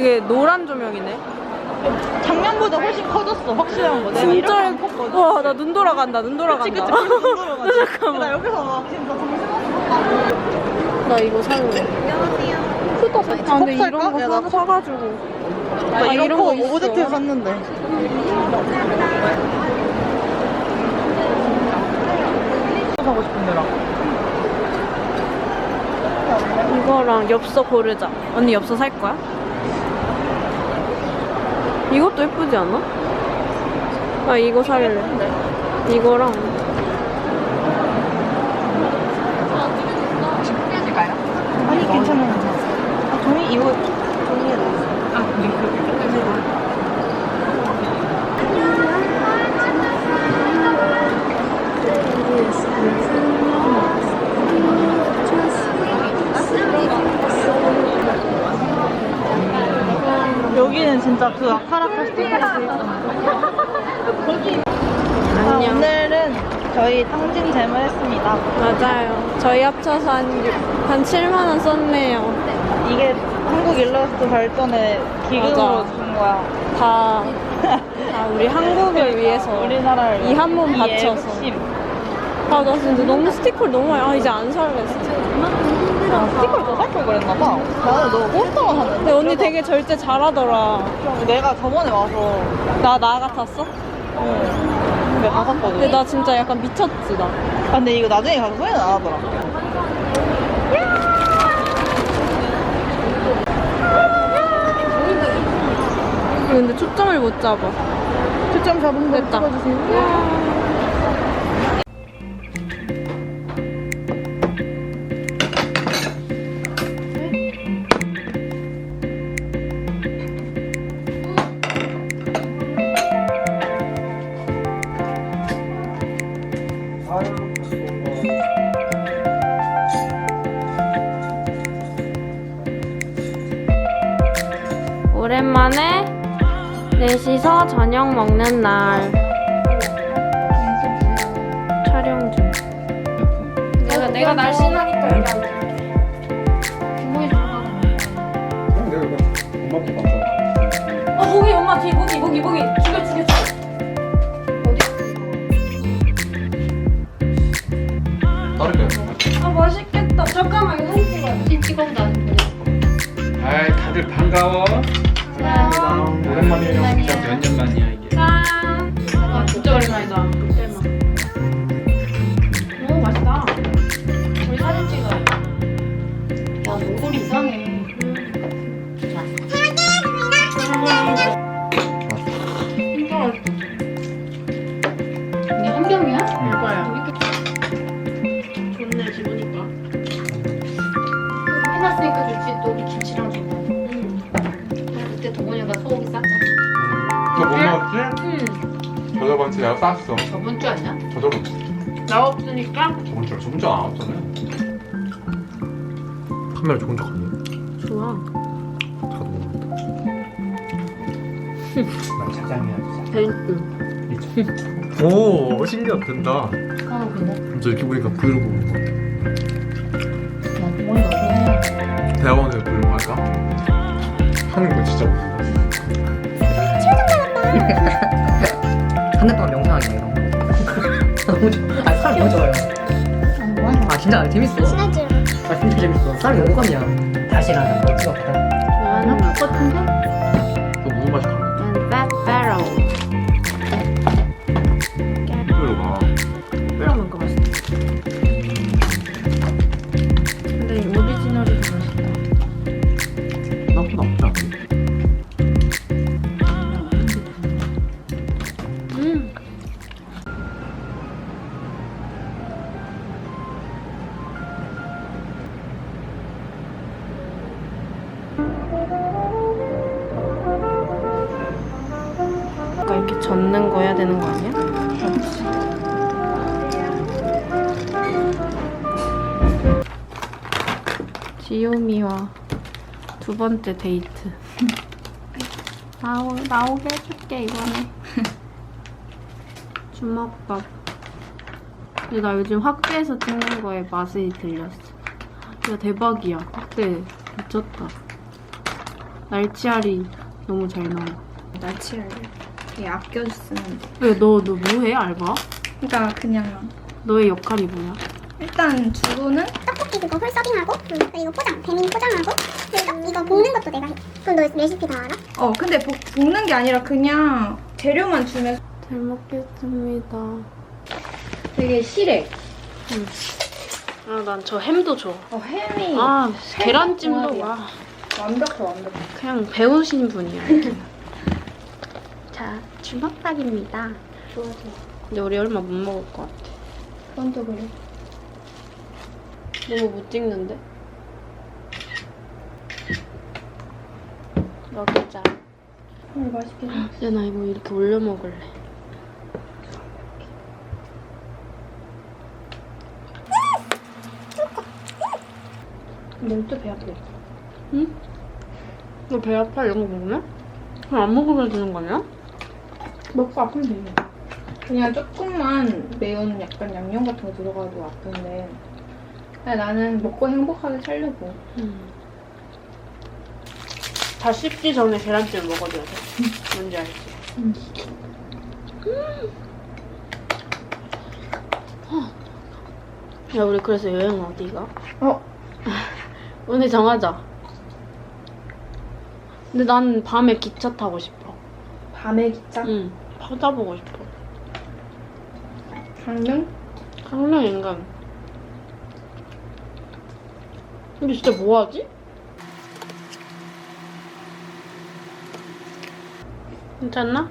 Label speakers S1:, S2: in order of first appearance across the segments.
S1: 되게 노란 조명이네.
S2: 작년보다 훨씬 커졌어. 확실한 거. 내가
S1: 진짜
S2: 이렇게 컸거든.
S1: 와, 나 눈 돌아간다. 눈 돌아간다.
S2: 그치, 눈 돌아가지. 나
S1: 잠깐만.
S2: 여기서 막 진짜 정신없어.
S1: 나 이거 살래.
S2: 수도 사.
S1: 아, 근데 이런 거 사가지고.
S2: 나
S1: 아,
S2: 이런 거
S1: 있어.
S2: 오브젝트에서 샀는데. 사고 싶은데라.
S1: 이거랑 엽서 고르자. 언니 엽서 살 거야? 이것도 예쁘지 않아? 나 이거 살래. 이거랑.
S2: 아니 괜찮아. 아, 종이 이거 종이에 넣었어. 여기는 진짜 그 아카라카 스티커가 돼 있어.
S1: 안녕.
S2: 오늘은 저희 탕진 잼을 했습니다.
S1: 맞아요. 저희 합쳐서 한 7만원 썼네요.
S2: 이게 한국 일러스트 발전의 기금으로
S1: 맞아.
S2: 준 거야.
S1: 다 우리 한국을 위해서.
S2: 우리나라를
S1: 이 한 몸
S2: 이
S1: 바쳐서.
S2: 애국심.
S1: 아, 나 진짜 너무 스티커를 너무 많이. 아, 이제 안 살래, 진짜.
S2: 야, 스티커를 더 살 걸 그랬나봐. 나는 너 포스터만 샀는데.
S1: 근데 언니 되게 절제 잘하더라.
S2: 내가 저번에 와서
S1: 나 같았어?
S2: 근데 다 샀거든.
S1: 근데 나 진짜 약간 미쳤지, 나.
S2: 아, 근데 이거 나중에 가서 후회는 안 하더라.
S1: 근데 초점을 못 잡아.
S2: 초점 잡은 거
S1: 됐다.
S2: 찍어주세요.
S1: 오랜만에 넷이서 저녁 먹는 날. 촬영 중. 내가 날씬하니까 여기 앉을게. 구멍이 좀 봐.
S3: 내가 이거 엄마 거 맞아.
S1: 거기 엄마 뒤 모기 죽여.
S3: 다르게.
S1: 아, 맛있겠다. 잠깐만, 이거 사진 찍어야 돼.
S4: 사진 찍어서 나는 보내.
S3: 아이 다들 반가워. 오랜만이에요. 진짜 몇 년 만이야 이게.
S1: 짠. 아, 진짜 오랜만이다. 그때만. 오, 맛있다. 우리 사진 찍어야 돼.
S4: 야, 목소리 이상해. 이게 한 병이야?
S1: 이거야. 좋네, 기분이가.
S4: 해놨으니까 좋지. 또 우리 김치랑 줬다. 그때 동원이가 소고기 쌌잖아.
S3: 너 못 먹었지? 저저번 주에 내가 쌌어.
S4: 저번 주 아니야?
S3: 저저번 주.
S1: 나 없으니까?
S3: 저번 주안 왔잖아요. 카메라 좋은 척 하니?
S1: 좋아.
S3: 다도 먹는다. 난 차장이야.
S1: 땡큐.
S3: 오 신기하다 된다.
S4: 아, 근데.
S3: 저 이렇게 보니까 브이로그 보는 것 같아.
S4: 야, 동원이가 그거 해.
S3: 대학원에서 브이로그 할까? 하는 거 진짜 못해.
S5: 한 달 동안 명상하기 이런 거. 너무 좋아. 아 사람 너무 좋아요.
S4: 아, 뭐하냐?
S5: 아 진짜 재밌어. 아 진짜 재밌어. 사람이 오감이야. 다시 나는 거 찍어보자.
S1: 좋아하는 맛.
S4: 똑같은데?
S3: 너 무슨 맛이 강해?
S1: 난 빼빼로.
S3: 브이로그가.
S1: 빼빼로 먹으니까 맛있다. 근데 이 오리지널이 더 맛있다.
S3: 나쁘지 않아.
S1: 아까 이렇게 젓는 거 해야 되는 거 아니야? 지요미와 두 번째 데이트. 나오게 해줄게, 이번에. 주먹밥. 근데 나 요즘 확대해서 찍는 거에 맛이 들렸어. 야, 대박이야. 확대 미쳤다. 날치알이 너무 잘 나와.
S2: 날치알 되게 아껴 쓰면 돼.
S1: 왜 너 뭐해 알바?
S2: 그러니까 그냥
S1: 너의 역할이 뭐야?
S2: 일단 주로는
S6: 떡볶이 그거 홀 서빙하고 그리고 포장, 배민 포장하고 그리고 이거 볶는 것도 내가 해. 그럼 너 레시피 다 알아?
S2: 근데 볶는 게 아니라 그냥 재료만 주면
S1: 잘 먹겠습니다.
S2: 되게 실해.
S1: 아, 난 저 햄도 줘.
S2: 햄이
S1: 아, 계란찜도
S2: 궁합이야.
S1: 와.
S2: 완벽해.
S1: 그냥 배우신 분이야. 자, 주먹밥입니다.
S2: 좋아.
S1: 근데 우리 얼마 못 먹을 것 같아.
S2: 그건 그래.
S1: 너무 못 찍는데? 먹자.
S2: 맛있게 생겼어.
S1: 이제 나 이거 이렇게 올려 먹을래.
S2: 너또 배 아프겠다.
S1: 응? 너 배 아파? 이런 거 먹으면? 그럼 안 먹으면 되는 거 아니야?
S2: 먹고 아프면 되네. 그냥 조금만 매운 약간 양념 같은 거 들어가도 아픈데 그냥 나는 먹고 행복하게 살려고.
S1: 다 씹기 전에 계란찜을 먹어줘야 돼. 뭔지 알지? 야, 우리 그래서 여행 어디 가? 오늘 정하자. 근데 난 밤에 기차 타고 싶어.
S2: 밤에 기차?
S1: 응. 바다 보고 싶어.
S2: 강릉?
S1: 강릉 인간. 근데 진짜 뭐하지? 괜찮나?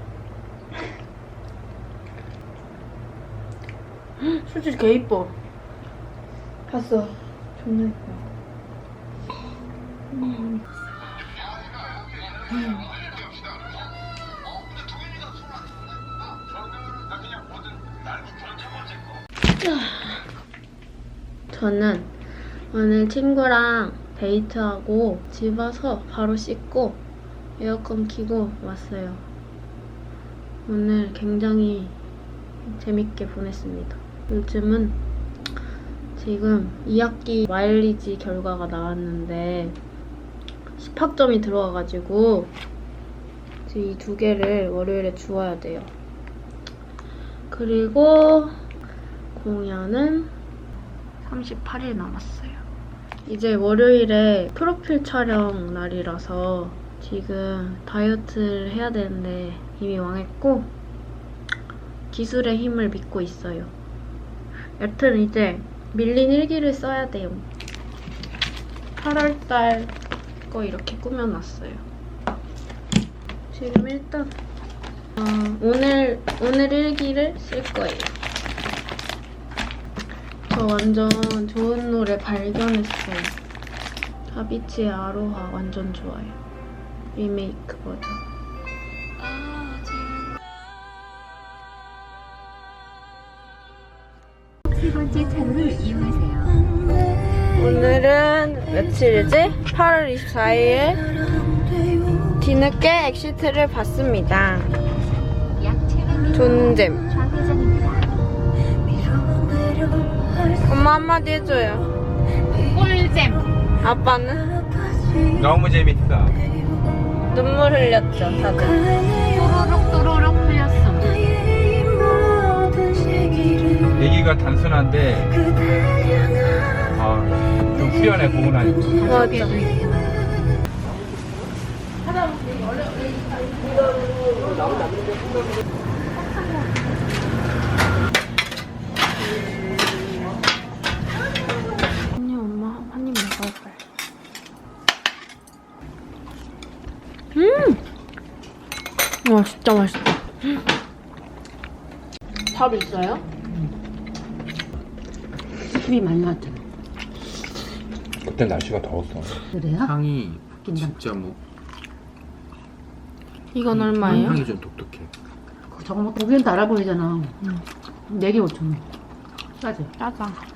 S1: 솔직히 개 이뻐.
S2: 봤어. 존나 예뻐.
S1: 저는 오늘 친구랑 데이트하고 집 와서 바로 씻고 에어컨 켜고 왔어요. 오늘 굉장히 재밌게 보냈습니다. 요즘은 지금 2학기 마일리지 결과가 나왔는데 10학점이 들어와가지고 지금 이 두 개를 월요일에 주어야 돼요. 그리고 공연은 38일 남았어요. 이제 월요일에 프로필 촬영 날이라서 지금 다이어트를 해야 되는데 이미 망했고 기술의 힘을 믿고 있어요. 여튼 이제 밀린 일기를 써야 돼요. 8월달 거 이렇게 꾸며놨어요. 지금 일단 오늘 일기를 쓸 거예요. 저 완전 좋은 노래 발견했어요. 다비치의 아로하 완전 좋아요. 리메이크 버전.
S7: 세 번째 창을 이용하세요.
S1: 오늘은 며칠이지? 8월 24일 뒤늦게 엑시트를 봤습니다.
S7: 약 700m
S1: 존잼.
S7: 좌회전입니다.
S1: 엄마 한마디 해줘요.
S7: 꿀잼.
S1: 아빠는?
S3: 너무 재밌어.
S1: 눈물 흘렸죠, 다들.
S7: 또로록 또로록 흘렸음.
S3: 얘기가 단순한데 좀 후련해 보고 나니까.
S1: 맞아. 언니, 엄마 한 입 먹어야 빨리. 와, 진짜 맛있다. 밥 있어요?
S8: 습이 많이 왔잖아.
S3: 그때 날씨가 더웠어.
S8: 그래요?
S9: 향이
S8: 웃긴다.
S9: 진짜 뭐
S1: 이건 얼마예요?
S9: 향이 좀 독특해.
S8: 저거 뭐 보기엔 달아 보이잖아. 4개 5,000원. 싸지?
S1: 짜자.